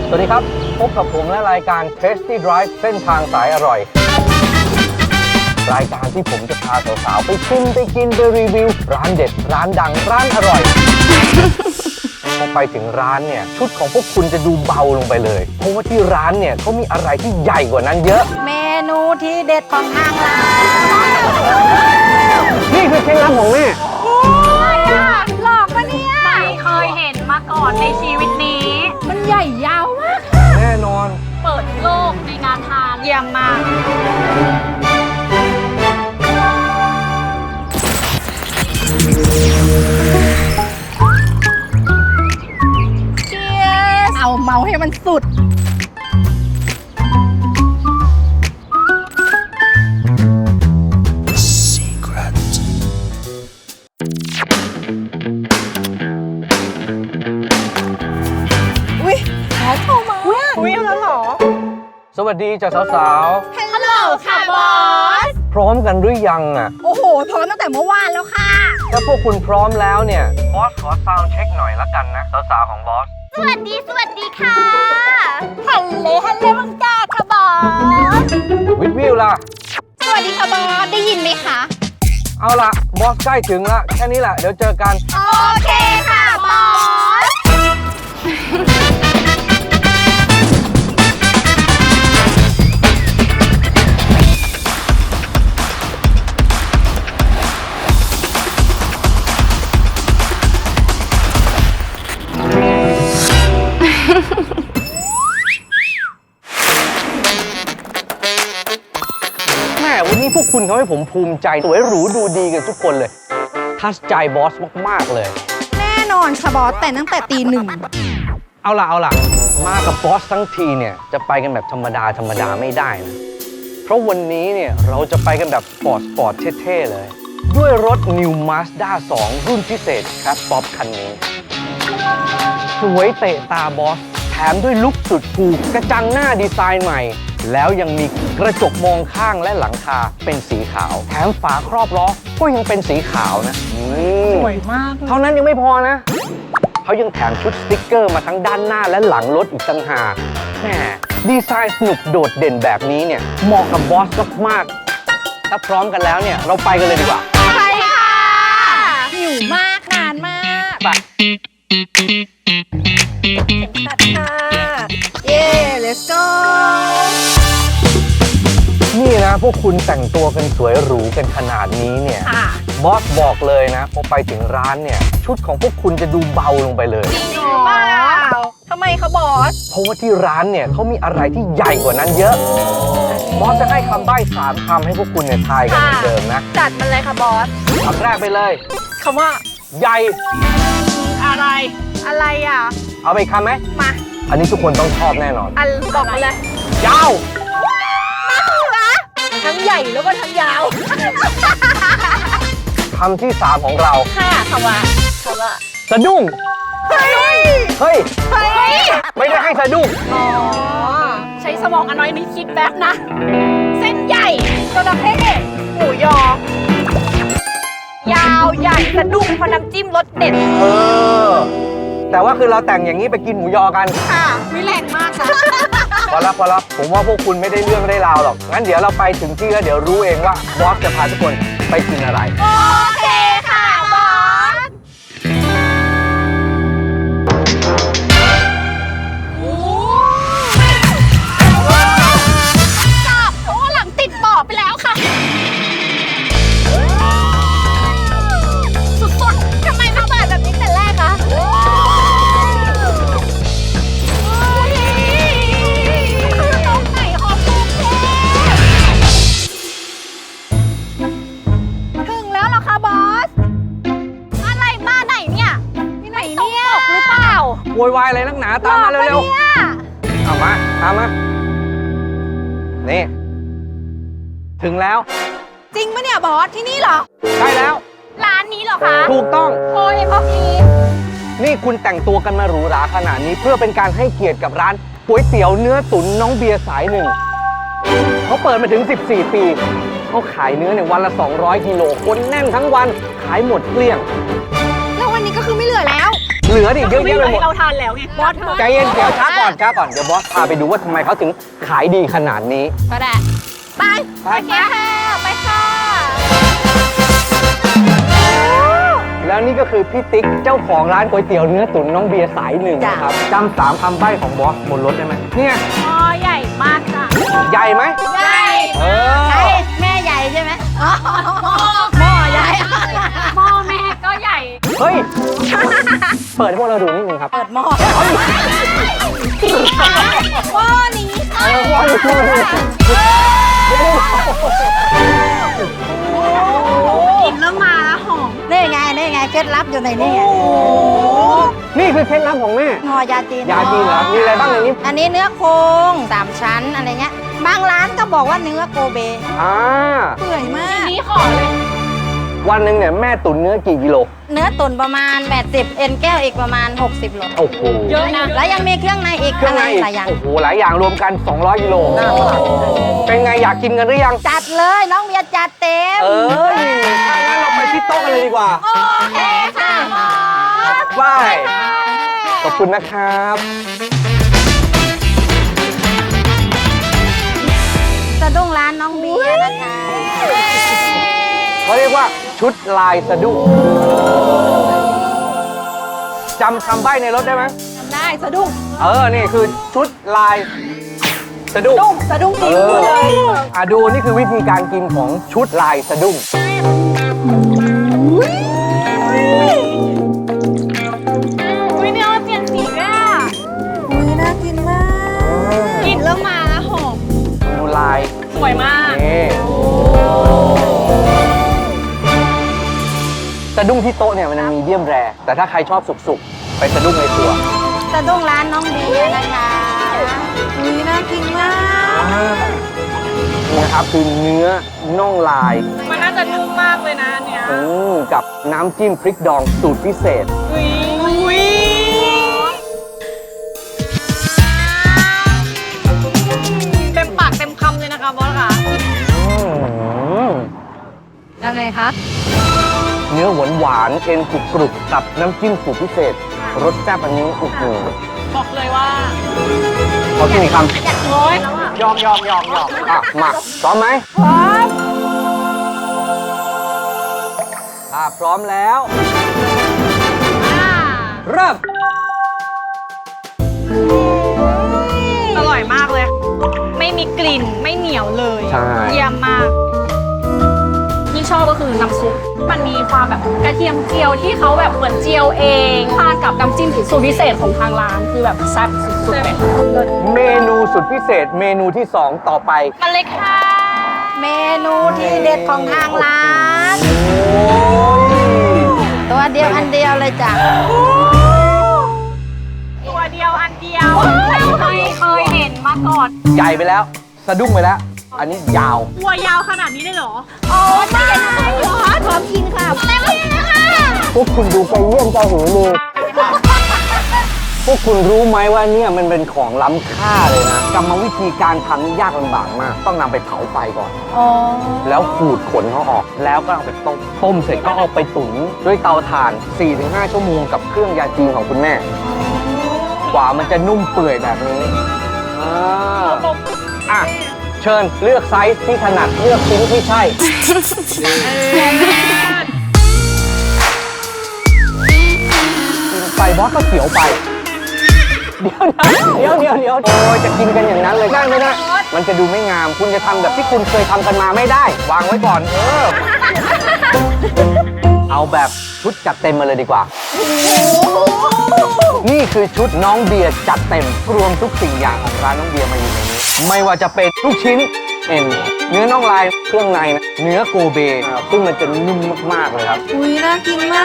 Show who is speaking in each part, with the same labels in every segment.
Speaker 1: สวัสดีครับพบกับผมและรายการ Tasty Drive เส้นทางสายอร่อยรายการที่ผมจะพาสาวๆไปชิมไปกินไปรีวิวร้านเด็ดร้านดังร้านอร่อยพอไปถึงร้านเนี่ยชุดของพวกคุณจะดูเบาลงไปเลยเพราะว่าที่ร้านเนี่ยเขามีอะไรที่ใหญ่กว่านั้นเยอะ
Speaker 2: เมนูที่เด็ดของทางร้าน
Speaker 1: นี่คือเคล็ดลับของแม่
Speaker 2: โอ้ยหลอกปะเนี่ย
Speaker 3: ไม่เคยเห็นมาก่อนในชีวิตนี้
Speaker 2: มันใหญ่ยาวมาก
Speaker 1: แน่นอน
Speaker 3: เปิดโลกในงานทาน
Speaker 2: เยี่ยมมากเอาเมาให้มันสุดอุ๊ยขอโทรมาอุ๊ยแล้วเหรอ
Speaker 1: สวัสดีจ้ะสาว
Speaker 2: ๆฮัลโหลค่ะบอส
Speaker 1: พร้อมกันหรือยังอ่ะ
Speaker 2: โอ้โหพร้อมตั้งแต่เมื่อวานแล้วค่ะ
Speaker 1: ถ้าพวกคุณพร้อมแล้วเนี่ยบอสขอซาวด์เช็คหน่อยละกันนะสาวๆของบอส
Speaker 3: สวัสดีค่ะ
Speaker 2: ฮัลโหลมังกาค่ะบอส
Speaker 1: วิวล่ะ
Speaker 2: สวัสดีค่ะบอสได้ยินไหมคะ
Speaker 1: เอาล่ะบอสใกล้ถึงละแค่นี้แหละเดี๋ยวเจอกัน
Speaker 2: โอเคค่ะบอส
Speaker 1: วันนี้พวกคุณทำให้ผมภูมิใจสวยหรูดูดีกันทุกคนเลยทัชใจบอสมากๆเลย
Speaker 2: แน่นอนค่ะบอสแต่ตั้งแต่ตี 1
Speaker 1: เอาล่ะมากับบอสทั้งทีเนี่ยจะไปกันแบบธรรมดาไม่ได้นะเพราะวันนี้เนี่ยเราจะไปกันแบบสปอร์ตเท่ๆเลยด้วยรถ New Mazda 2 รุ่นพิเศษครับป๊อปคันนี้สวยเตะตาบอสแถมด้วยลุคสุดคูลกระจังหน้าดีไซน์ใหม่แล้วยังมีกระจกมองข้างและหลังคาเป็นสีขาวแถมฝาครอบล้อก็ยังเป็นสีขาวนะ
Speaker 2: สวยมาก
Speaker 1: เท่านั้นยังไม่พอนะเขายังแถมชุดสติ๊กเกอร์มาทั้งด้านหน้าและหลังรถอีกต่างหากแหมดีไซน์สนุกโดดเด่นแบบนี้เนี่ยเหมาะกับบอสมากๆถ้าพร้อมกันแล้วเนี่ยเราไปกันเลยดีกว่า
Speaker 2: ไปค่ะหิวมากนานมาก
Speaker 1: ไป
Speaker 2: ตัดค่ะเย้ let's go
Speaker 1: นี่นะพวกคุณแต่งตัวกันสวยหรูกันขนาดนี้เนี่ยบอสบอกเลยนะพอไปถึงร้านเนี่ยชุดของพวกคุณจะดูเบาลงไปเลย
Speaker 2: จริงหรือเปล่าทำไมคะบอส
Speaker 1: เพราะว่าที่ร้านเนี่ยเขามีอะไรที่ใหญ่กว่านั้นเยอะบอสจะให้คำใบ้3 คำให้พวกคุณเนี่ยทายกันเหมือนเดิมนะ
Speaker 2: จัดมันเลยค่ะบอส
Speaker 1: คำแรกไปเลย
Speaker 2: คำว่า
Speaker 1: ใหญ่
Speaker 2: อะไรอ่ะ
Speaker 1: เอาไปคำไหม
Speaker 2: มา
Speaker 1: อันนี้ทุกคนต้องชอบแน่นอน
Speaker 2: บอกมาเลย
Speaker 1: ยาว
Speaker 2: ทั้งใหญ่แล้วก็ทั้งยาว
Speaker 1: คำที่ 3ของเรา
Speaker 2: ค่ะคำว่า
Speaker 1: สะดุ้ง
Speaker 2: เฮ้ย
Speaker 1: ไม่ได้ให้สะดุ้ง
Speaker 3: อ๋อใช้สมองอันน้อยนิดคิดแป๊บนะเส้นใหญ่
Speaker 2: จระเข้หมูยอยาวใหญ่สะดุ้งเพราะน้ำจิ้มรสเด็ด
Speaker 1: แต่ว่าคือเราแต่งอย่างนี้ไปกินหมูยอกัน
Speaker 2: ค่ะวิแรงมากค่ะ
Speaker 1: พอรับผมว่าพวกคุณไม่ได้เรื่องได้ราวหรอกงั้นเดี๋ยวเราไปถึงที่แล้วเดี๋ยวรู้เองว่าบอสจะพาทุกคนไปกินอะไร
Speaker 2: โอเคค่ะบอสจับเพราะว่าหลังติดบ่อไปแล้วค่ะสุดๆทำไมมาเปิดแบบนี้แต่แรกคะ
Speaker 1: โวยวายอะไรนักหนาตามมาเร็วๆเอามาตามมานี่ถึงแล้ว
Speaker 2: จริงปะเนี่ยบอสที่นี่เหรอ
Speaker 1: ใช่แล้ว
Speaker 3: ร้านนี้เหรอคะ
Speaker 1: ถูกต้อง
Speaker 2: โอ้ยพอดี
Speaker 1: นี่คุณแต่งตัวกันมาหรูหราขนาดนี้เพื่อเป็นการให้เกียรติกับร้านก๋วยเตี๋ยวเนื้อตุ๋นน้องเบียร์สายหนึ่งเขาเปิดมาถึง14 ปีเขาขายเนื้อเนี่ยวันละ200 กิโลคนแน่นทั้งวันขายหมดเกลี้ยง
Speaker 2: แล้ววันนี้ก็คือไม่เหลือแล้ว
Speaker 1: เหลือดิเยอะแยะไปหมด
Speaker 3: เราทานแล้วไงบอสเธอ
Speaker 1: ใจเย็นเดี๋ยวช้าก่อนเดี๋ยวบอสพาไปดูว่าทำไมเขาถึงขายดีขนาดนี้
Speaker 2: ก็ได้ ไป
Speaker 1: ไป
Speaker 2: ไปค่ะ ไปค่ะ
Speaker 1: แล้วนี่ก็คือพี่ติ๊กเจ้าของร้านก๋วยเตี๋ยวเนื้อตุ๋นน้องเบียร์สายหนึ่งนะครับจำ3คำใบ้ของบอสบนรถได้ไหมเนี่ย
Speaker 3: หม้อใหญ่มากจ้ะ
Speaker 1: ใหญ่ไหม
Speaker 2: ใหญ่
Speaker 1: เอ
Speaker 2: ใช่
Speaker 1: อ
Speaker 2: แม่ใหญ่ใช่ไหมหม้อใหญ่
Speaker 3: หม้อแม่ก็ใหญ่
Speaker 1: เฮ้ย เปิดให้พวกเราดูนิดนึงครับ
Speaker 2: เปิดหม้อหม้อนี้ค่ะ
Speaker 1: ว่าอยู่ที่นี่
Speaker 3: กินแล้วมาแล้วหอม
Speaker 2: นี่ไงเคล็ดลับอยู่ในนี่ไง
Speaker 1: นี่คือเคล็ดลับของแม่
Speaker 2: ห่อยาจีน
Speaker 1: ยาจีนเหรอ มีอะไรบ้างในนี้
Speaker 2: อันนี้เนื้อโครง3 ชั้นอะไรเงี้ย บางร้านก็บอกว่าเนื้อโกเบ
Speaker 1: อ่า
Speaker 2: เปื่อยมาก
Speaker 3: นี่ขอเลย
Speaker 1: วันหนึ่งเนี่ยแม่ตุ๋นเนื้อกี่กิโล
Speaker 2: เนื้อตุ๋นประมาณ80เอ็นแก้วอีกประมาณ60โล
Speaker 1: โอ้โห
Speaker 3: เยอะนะ
Speaker 2: แล้วยังมีเครื่องในอีก
Speaker 1: เครื่องใน
Speaker 2: อะไร
Speaker 1: อีก
Speaker 2: หลายอย่าง
Speaker 1: โอ้โห หลายอย่างรวมกัน 200 กิโล เป็นไงอยากกินกันหรือยัง
Speaker 2: จัดเลยน้องเบียร์จัดเต็ม
Speaker 1: เออถ้างั้นเราไปที่โต๊ะกันเลยดีกว่า
Speaker 2: โอเคค่ะหมอ
Speaker 1: บาย ขอบคุณนะครับ
Speaker 2: สะดุ้งร้านน้องเบียร์นะคะ
Speaker 1: เขาเรียกว่าชุดลายสะดุ้งจำคำใบ้ในรถได้ไหม
Speaker 2: ได้สะดุ้ง
Speaker 1: นี่คือชุดลายสะดุ้ง
Speaker 2: สะดุ้งจริง
Speaker 1: เลยดูนี่คือวิธีการกินของชุดลายสะดุ้ง
Speaker 3: อุ้ยเนื้อเปลี่ยนสีด้วยอะ
Speaker 2: อุ้ยน่ากินมาก
Speaker 3: กินแล้วมาแล้วหอม
Speaker 1: ดูลาย
Speaker 3: สวยมาก
Speaker 1: นี่สะดุ้งที่โต๊ะเนี่ยมันมีเดียมแรร์แต่ถ้าใครชอบสุกๆ ไปสะดุ้งในตัว
Speaker 2: สะดุ้งร้านน้องเบียร์นะคะอุ้ยน่ากินมาก
Speaker 1: นี่นะครับคือเนื้อน่องลาย
Speaker 3: มันน่าจะนุ่มมากเลยนะอันเนี้ย
Speaker 1: กับน้ำจิ้มพริกดองสูตรพิเศษ
Speaker 3: อุ้ยเต็มปากเต็มคำเลยนะคะบอสค่ะ
Speaker 2: ยังไงคะ
Speaker 1: เนื้อหวานๆเอ็นกรุบๆกับน้ำจิ้มสูตรพิเศษ รสแซ่บอันนี้โอ้โห
Speaker 3: บอกเลยว่า
Speaker 1: ขอกินอีกคำ
Speaker 3: โอ้ย
Speaker 1: ยอมมาพร้อมไหม
Speaker 2: พร้อม
Speaker 1: พร้อมแล้ว เริ่ม
Speaker 3: อร่อยมากเลย ไม่มีกลิ่นไม่เหนียวเลย
Speaker 1: ใช่
Speaker 3: เยี่ยมมากที่ชอบก็คือน้ำซุปมันมีความแบบกระเทียมเจียวที่เขาแบบเหมือนเจียวเองทานกับน้ำจิ้มสูตรพิเศษของทางร้านคือแบบแซ่บสุดๆเลย
Speaker 1: เมนูสุดพิเศษเมนูที่ 2 ต่อไป
Speaker 3: มาเลยค่ะ
Speaker 2: เมนูที่เด็ดของทางร้าน ตัวเดียวอันเดียวเลยจ้ะ
Speaker 3: ตัวเดียวอันเดียวไม่เคยเห็นมาก่อน
Speaker 1: ใหญ่ไปแล้ว สะดุ้งไปแล้ว อันนี้ยาว
Speaker 3: ตัวยาวขนาดนี้เลยเหรอ
Speaker 2: โอ้ไม่ใช่หรอพร้อมกินค่ะเต็มที่นะคะ
Speaker 1: พวกคุณดูไปเยี่ยมเจ้าหูเลยพวกคุณรู้ไหมว่าเนี่ยมันเป็นของล้ำค่าเลยนะกรรมวิธีการทำนี่ยากลำบากมาก ต้องนำไปเผาไฟก่อน
Speaker 2: อ๋อ
Speaker 1: แล้วขูดขนเขาออก แล้วก็เอาไปต้ม ต้มเสร็จก็เอาไปตุ๋นด้วยเตาถ่าน 4-5 ชั่วโมงกับเครื่องยาจีนของคุณแม่ กว่ามันจะนุ่มเปื่อยแบบนี้อ่ะ เชิญเลือกไซส์ที่ถนัดเลือกชิ้นที่ใช่ ไปบอสก็เสียวไป เดี๋ยวโอ้ยจะกินกันอย่างนั้นเลยได้ไม่ได้ มันจะดูไม่งาม คุณจะทำแบบที่คุณเคยทำกันมาไม่ได้ วางไว้ก่อน เอาแบบชุดจัดเต็มมาเลยดีกว่า นี่คือชุดน้องเบียร์จัดเต็มรวมทุกสิ่งอย่างของร้านน้องเบียร์มาอยู่ในนี้ ไม่ว่าจะเป็นลูกชิ้นเอ็นเนื้อน่องลายเครื่องในนะเนื้อโกเบซึ่งมันจะนุ่มมากๆเลยครับ
Speaker 2: อุ้ยน่ากินมาก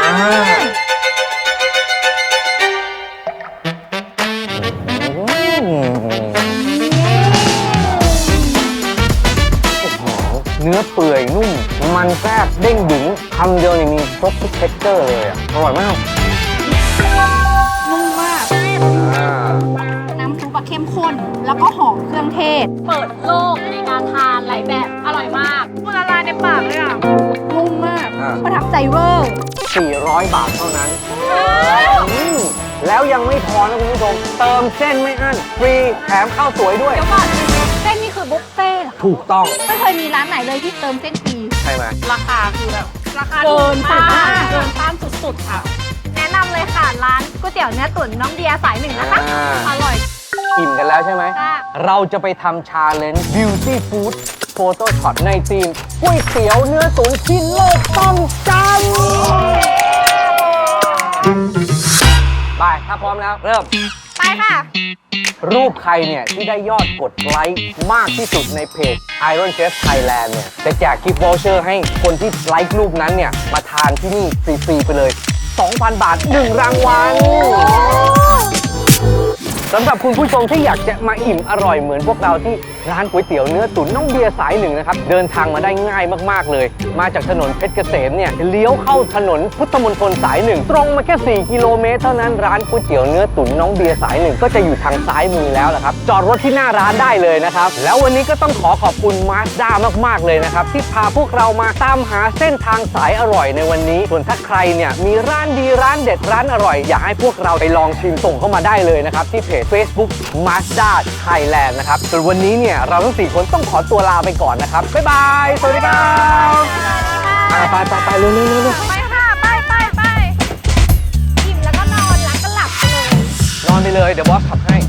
Speaker 1: เนื้อเปื่อยนุ่ม มันแทรกเด้งดึงคำเดียวเนี่ยมีครบทุกเท็กเจอร์เลยอ่ะ อร่อยมาก
Speaker 3: นุ่มมาก น้ำซุปอะเข้มข้น แล้วก็หอมเครื่องเทศ เปิดโลกในการทานหลายแบบ อร่อยมากพูดละลายในปากเลยอ่ะ นุ่มมาก
Speaker 1: อ่า
Speaker 3: ประทับใจเวอร์
Speaker 1: 400 บาทเท่านั้นอืมแล้วยังไม่พอนะคุณผู้ชม เติมเส้นไม่อั้น ฟรีแถมข้าวสวยด้วย
Speaker 3: เดี๋ยวก่อนเส้นนี่คือบุฟเฟ่ต์เหรอ
Speaker 1: ถูกต้อง
Speaker 2: ไม่เคยมีร้านไหนเลยที่เติมเส้นฟรี
Speaker 1: ใช่ไหม
Speaker 3: ราคาคือแบบราคาเกินต้านเกินต้านสุดๆค่ะ
Speaker 2: แนะนำเลยค่ะร้านก๋วยเตี๋ยวเนื้อตุ๋นน้องเดียสายหนึ่งนะคะ อร่อย
Speaker 1: อิ่มกันแล้วใช่ไหม
Speaker 2: ค่ะ เรา
Speaker 1: เราจะไปทำชาเลนจ์ Beauty Food Photo Shot ในทีมก๋วยเตี๋ยวเนื้อตุ๋นที่โลกต้องจำไปถ้าพร้อมแล้ว เริ่ม
Speaker 2: ไปค่ะ
Speaker 1: รูปใครเนี่ย ที่ได้ยอดกดไลค์มากที่สุดในเพจ Iron Chef Thailand เนี่ย จะแจกกิฟต์วอลเชอร์ให้คนที่ไลค์รูปนั้นเนี่ย มาทานที่นี่ฟรีๆไปเลย 2,000 บาท 1 รางวัล สำหรับคุณผู้ชมที่อยากจะมาอิ่มอร่อยเหมือนพวกเราที่ร้านก๋วยเตี๋ยวเนื้อตุ๋นน้องเบียร์สายหนึ่งนะครับ เดินทางมาได้ง่ายมากๆเลย มาจากถนนเพชรเกษมเนี่ยเลี้ยวเข้าถนนพุทธมณฑลสายหนึ่งตรงมาแค่ 4 กิโลเมตรเท่านั้นร้านก๋วยเตี๋ยวเนื้อตุ๋นน้องเบียร์สายหนึ่งก็จะอยู่ทางซ้ายมือแล้วละครับจอดรถที่หน้าร้านได้เลยนะครับแล้ววันนี้ก็ต้องขอขอบคุณมาสด้ามากๆเลยนะครับที่พาพวกเรามาตามหาเส้นทางสายอร่อยในวันนี้ส่วนถ้าใครเนี่ยมีร้านดีร้านเด็ดร้านอร่อยอยากให้พวกเราไปลองชิมส่งเข้ามาได้เลยนะครับที่เพจ Facebook Mazda Thailand นะครับส่วนวันนี้เนี่ยเราทั้ง 4 คนต้องขอตัวลาไปก่อนนะครับ บ๊ายบาย สวัสดีครับไปเร็วๆ
Speaker 2: ไปค่ะ ไปอิ่มแล้วก็นอนแล้วก็หลับไปเลย
Speaker 1: ๆนอนไปเลย เดี๋ยวบอสขับให้